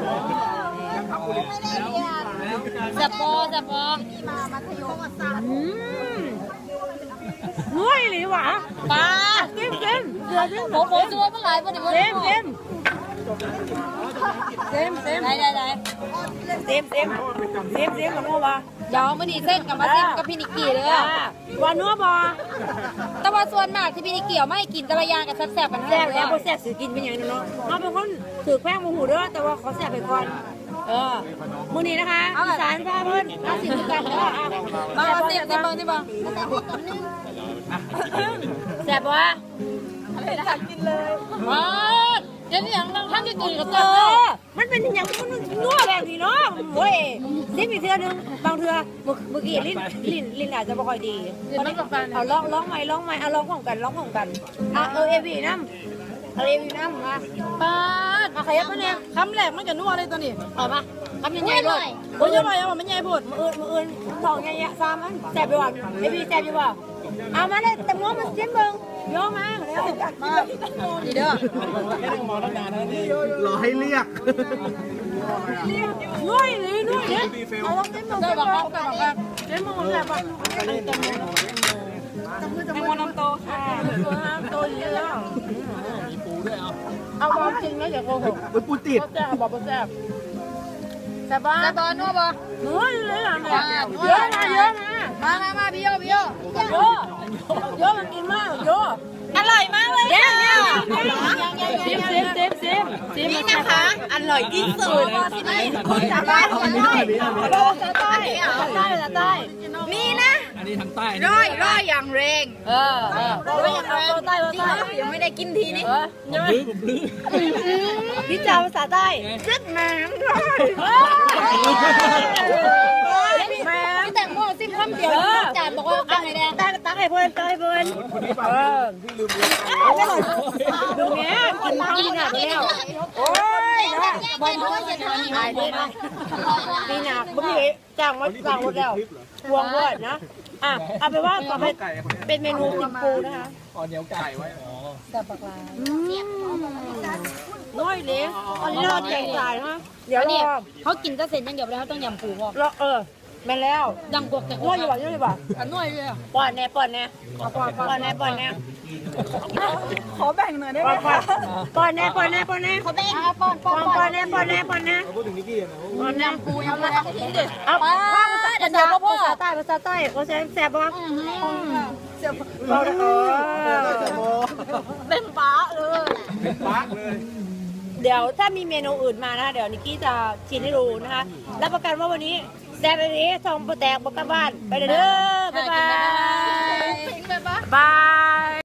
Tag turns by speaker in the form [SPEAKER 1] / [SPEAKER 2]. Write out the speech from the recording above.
[SPEAKER 1] จับปอมามัธยม
[SPEAKER 2] นุ่ยหรือวะ
[SPEAKER 1] ปลา
[SPEAKER 2] เต็มเ
[SPEAKER 1] ผมตัวเมื่อไหร่วันนี้
[SPEAKER 2] เต็ม
[SPEAKER 1] ได้
[SPEAKER 2] กับนัววะ
[SPEAKER 1] เดี๋ยวมื่อนี้เส้นกับมาซิมกับพี่นิกกี้เลย
[SPEAKER 2] บอนัวบอ
[SPEAKER 1] แต่ว่าส่วนมากที่พี่นิกกี้ไม่กินตะวันยางกับแซ่บๆกัน
[SPEAKER 2] แซ่บแล้วแซ่บสิกินเป็นอย่างนี้เนาะเราเป็นคนถือแป้งโมหูด้วยแต่ว่าขอแซ่บไปก่อนมื้อนี้นะคะอีสานพาเพิ่นมาสิคือกัน
[SPEAKER 1] มาเสียบที่บ้าง
[SPEAKER 2] แซ่บวะ
[SPEAKER 1] อะไรนะกินเลยว้าเดี๋ยวนี้อย่างท่านจะกินกับ
[SPEAKER 2] มันเป็นอย่างมันนัวแบบนี้เนาะเว้ยซิมอีกเทื่อนึงบางเทื่อเมื่อกี้ลิ้นอาจจะไม่ค่อยดีเอาร้องใหม่เอาร้องของกันเอวีน้ำมา
[SPEAKER 1] ป้า
[SPEAKER 2] มาขยับมาเนี่ย
[SPEAKER 1] คำแรกมันจะนัวเลยตัวนี้
[SPEAKER 2] เอามาคำใหญ่ๆด้วย
[SPEAKER 1] โอ้ยหน่อยเอามันใหญ่พูด
[SPEAKER 2] มืออื่นสองใหญ่ๆซ้ำมันแซ่บไปว่ะเอวีแซ่บอยู่ว่ะเอามาเลยแต่ง้อมันจิ้มเบิ้งโยมาแล้ว
[SPEAKER 1] มาดีเด้อ
[SPEAKER 3] รอให้เรียก
[SPEAKER 2] นุ่ยเนี่ยเอาลองจิ้มเบิ้งจิ้มเบิ้งแซ่บป่ะ
[SPEAKER 1] ให้มันน้ำโตค่ะ
[SPEAKER 2] โตเยอะมีปูด้วยเอาความจริงนะอย่าโกหก
[SPEAKER 3] ปูติด
[SPEAKER 2] แซ่บบอกแซ่บแต่บ้า
[SPEAKER 1] นัวบ่
[SPEAKER 2] เลยอ่ะเยอะ
[SPEAKER 1] มาพี่โย
[SPEAKER 2] มันกินมากโย
[SPEAKER 1] อร่อยมากเลย
[SPEAKER 2] ซิม
[SPEAKER 1] นี่นะคะอร่อยที่สุดจากบ้านใต้นี่นะ
[SPEAKER 3] อันนี้ทางใต้
[SPEAKER 1] ร้อยอย่างแรงร้อยอย่างแรง
[SPEAKER 2] ใต้
[SPEAKER 1] ยังไม่ได้กินทีนี้
[SPEAKER 2] พี่จ่าภาษาใต้
[SPEAKER 1] ซึกน้ำพี่แต่งโม่ซิมคำเดียวจานบอกว่าตั้งไงแดง
[SPEAKER 2] ตั้งให้เพื่อนพี่ลืมดูเนี้ยกินข้าวกินหนักแล้วโอ้ย
[SPEAKER 1] บอลเขาจะทำยังไงดีนะ
[SPEAKER 2] ดีหนักบุ้งจ้างหมดแล้ววงด้วยนะเอาไปว่าต่อไปเป็นเมนูติ่มปูนะคะ
[SPEAKER 3] เหนียวไก่ไว้
[SPEAKER 1] กับปลา
[SPEAKER 2] น้อยเล็กอันนี้เราแจกจ่ายนะเดี๋ยวนี่
[SPEAKER 1] เขากินก็เสร็จยังเดี๋ยวแล้วเขาต้องยำปูพอ
[SPEAKER 2] แม่แล้ว
[SPEAKER 1] ดังกวกแต่
[SPEAKER 2] น้อยอยู่บ่
[SPEAKER 1] น้อยเลย
[SPEAKER 2] ป้อนแน่ขอแบ่งหน่อยได้ไหมป้อนแน่
[SPEAKER 1] เขาแบ่งป้อนแน่
[SPEAKER 2] พู
[SPEAKER 3] ดถึงนิกกี้นะ
[SPEAKER 2] ป้อนแน่ปูยังไม่เอาภาษาใต้เขาแซ่บป่ะ
[SPEAKER 1] เป็นป้าเลย
[SPEAKER 2] เดี๋ยวถ้ามีเมนูอื่นมานะเดี๋ยวนิกกี้จะชิมให้ดูนะคะรับประกันว่าวันนี้แซ่บแบบนี้ทองโปรแตกบกบ้านไปเด้อบ๊ายบาย